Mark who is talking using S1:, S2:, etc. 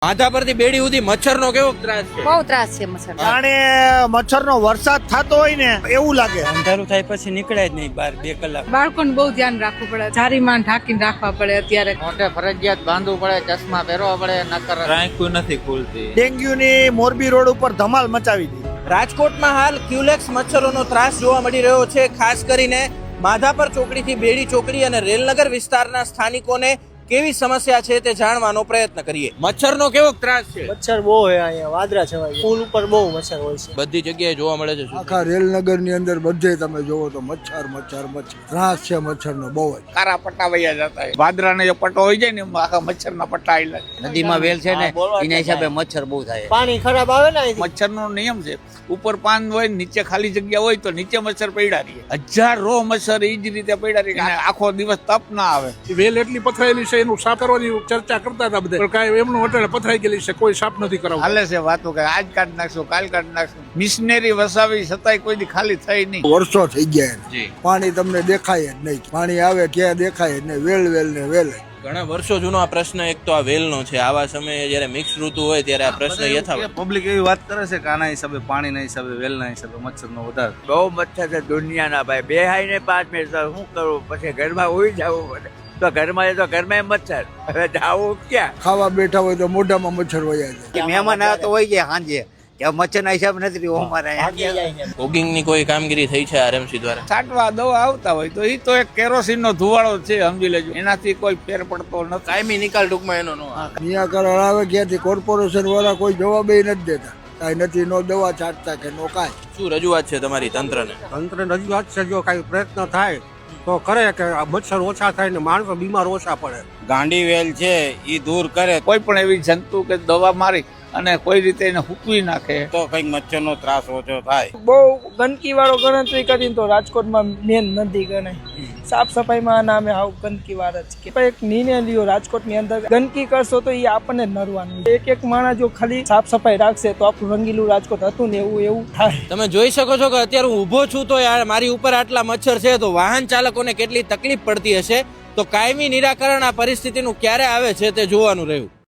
S1: માથા પરથી બેડી સુધી મચ્છરનો કેવો ત્રાસ છે?
S2: બહુ ત્રાસ છે મચ્છર.
S3: જાણે મચ્છરનો વરસાદ થતો હોય ને એવું લાગે.
S4: અંધારું થાય પછી નીકળે જ નહીં બહાર 2 કલાક.
S2: બાળકોને બહુ ધ્યાન રાખવું પડે, જારીમાં ઢાંકીને રાખવા પડે. અત્યારે
S5: મોઢે ફરજિયાત બાંધવું પડે, ચશ્મા પહેરવા પડે, નકર
S6: આંખું નથી ખુલતી.
S3: ડેન્ગ્યુની મોરબી રોડ ઉપર ધમાલ મચાવી દીધી.
S1: રાજકોટમાં હાલ ક્યુલેક્સ મચ્છરોનો ત્રાસ જોવા મળી રહ્યો છે. ખાસ કરીને માધાપર ચોકડીથી બેડી ચોકડી અને રેલનગર વિસ્તારના સ્થાનિકોને કેવી સમસ્યા છે તે જાણવાનો પ્રયત્ન કરીએ. મચ્છરનો કેવો ત્રાસ છે?
S7: મચ્છર બહુ હોય અહીંયા, વાદરા છવાય, પુલ ઉપર બહુ મચ્છર હોય છે.
S1: બધી જગ્યાએ જોવા મળે છે.
S8: આખા રેલનગર ની અંદર બધે તમે જોવો તો મચ્છર મચ્છર મચ્છર ત્રાસ છે મચ્છરનો બહુ જ.
S6: કારા પટ્ટા વયા જતા હોય, વાદરાનો જે પટ્ટો હોય જાય ને એમાં આખા મચ્છરના પટ્ટા આવેલા.
S5: નદીમાં વેલ છે ને એના હિસાબે મચ્છર બહુ થાય.
S7: પાણી ખરાબ આવે ને અહીંથી.
S6: મચ્છરનો નિયમ છે, ઉપર પાન હોય નીચે ખાલી જગ્યા હોય તો નીચે મચ્છર પડ્યા રહીએ. 1000 રો મચ્છર એ જ રીતે પડ્યા રહીએ. આખો દિવસ તપ ના આવે.
S9: વેલ એટલી પથરાયેલી છે, એનું સાફ કરવાની ચર્ચા કરતા હતા બધા, પણ કાંઈ એમનું અટાણે પથરાઈ ગયેલી છે, કોઈ સાફ નથી કરાવતું.
S6: હાલે છે વાતો કે આજ કાઢ નાખશું, કાલ કાઢ નાખશું. મિશનરી વસાવી છતાંય કોઈ દી ખાલી થઈ નહીં.
S8: વર્ષો થઈ ગયા, પાણી તમને દેખાય જ નહીં. પાણી આવે ક્યાં દેખાય જ નહીં, વેલ વેલ ને વેલ.
S1: ઘણા વર્ષો જૂનો આ પ્રશ્ન એક તો આ વેલનો છે. આવા સમયે જયારે મિક્સ ઋતુ હોય ત્યારે આ પ્રશ્ન યથાવત.
S4: પબ્લિક એવી વાત કરે છે કે આના હિસાબે, પાણીના હિસાબે, વેલના હિસાબે મચ્છરનો વધારે.
S5: બહુ મચ્છર છે દુનિયાના ભાઈ. બેહાઈને 5 મિનિટ શું કરવું, પછી ઘરમાં ઉઈ જવું પડે. તો ઘરમાં તો ઘરમાં મચ્છર, હવે જાવું ક્યાં?
S8: ખાવા બેઠા હોય તો મોઢામાં મચ્છર વયા જાય.
S5: મહેમાન આવ્યા તો હોય ગયા સાંજે, કે મચ્છરના હિસાબ નથી અમારે.
S1: ફોગિંગની કોઈ કામગીરી થઈ છે આરએમસી દ્વારા?
S6: છાંટવા દવા આવતા હોય તો એ તો એક કેરોસીનનો ધુવાળો છે, સમજી લેજો. એનાથી કોઈ ફેર પડતો નથી.
S1: કાયમી નિકાલ ટૂંકમાં એનો નો આવે.
S8: નિરાકરણ આવે ક્યાંથી? કોર્પોરેશન વાળા કોઈ જવાબ નથી દેતા. કાંઈ નથી, નો દવા છાંટતા કે નો કાંઈ.
S1: શું રજૂઆત છે તમારી તંત્રને?
S7: તંત્ર રજૂઆત છે, જો કાંઈ પ્રયત્ન થાય તો કરે કે મચ્છર ઓછા થાય ને માણસો બીમાર ઓછા પડે.
S4: ગાંડી વેલ છે એ દૂર કરે
S6: કોઈ પણ એવી જંતુ કે દવા મારી અને કોઈ રીતે એને હૂકવી નાખે
S4: તો કઈક મચ્છરનો ત્રાસ ઓછો થાય.
S10: બહુ ગંદકી વાળો ગણતરી કરીને તો રાજકોટમાં મેન નથી ગણાય. સાફ સફાઈમાં નામે આવું ગંદકી વાર જ કે એક નિર્ણય લ્યો રાજકોટની અંદર ગંદકી કરશો તો એ આપણને નરવાનું. એક માણસ જો ખાલી સાફ સફાઈ રાખશે તો આપણું રંગીલું રાજકોટ હતું ને એવું થાય.
S1: તમે જોઈ શકો છો કે અત્યારે હું ઊભો છું તો યાર મારી ઉપર આટલા મચ્છર છે, તો વાહન ચાલકોને કેટલી તકલીફ પડતી હશે. તો કાયમી નિરાકરણ આ પરિસ્થિતિનું ક્યારે આવે છે તે જોવાનું રહ્યું.